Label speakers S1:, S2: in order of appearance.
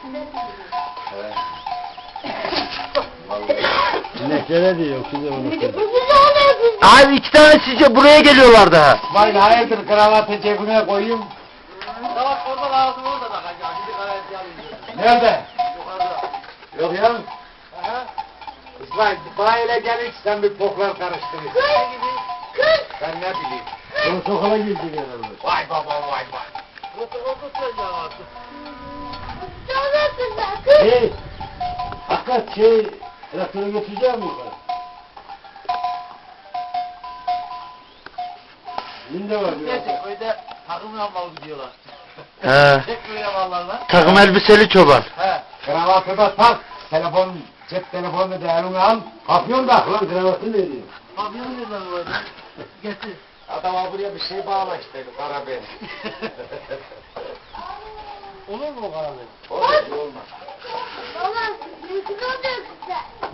S1: Sineklere diyor size onu.
S2: Abi 2 tane sizce buraya geliyorlar daha.
S1: İsmail hayırdır kravatı cebine koyayım.
S3: Kravat orada lazım orada da hacı. Şimdi kravatı alayım.
S1: Nerede?
S3: Yukarıda.
S1: Yok ya.
S3: Aha.
S1: İsmail bayile gelin sen bir poklar karıştırıyorsun.
S3: Ne gibi?
S1: Ben ne bileyim. Onu sokağa girecek herhalde. Vay baba vay vay.
S3: Protokol tutacağım artık.
S1: Hey! Hakikat traktörü götüreceğim mi yukarı? Yine var ya.
S3: Gerçek köyde takım yapmalı gidiyorlar.
S2: He.
S3: Tek köy yaparlar.
S2: Takım elbiseli çoban.
S3: He.
S1: Kravatı da tak. Cep telefonunu da eline al. Kapıyorsun da lan kravatı ne diyor?
S3: Papyonu nereden koydun? Getir.
S1: Adama buraya bir şey bağla işte karabe.
S3: Olur mu o kadar?
S1: Olmaz olmaz.
S4: Baba, yüzünü dökse.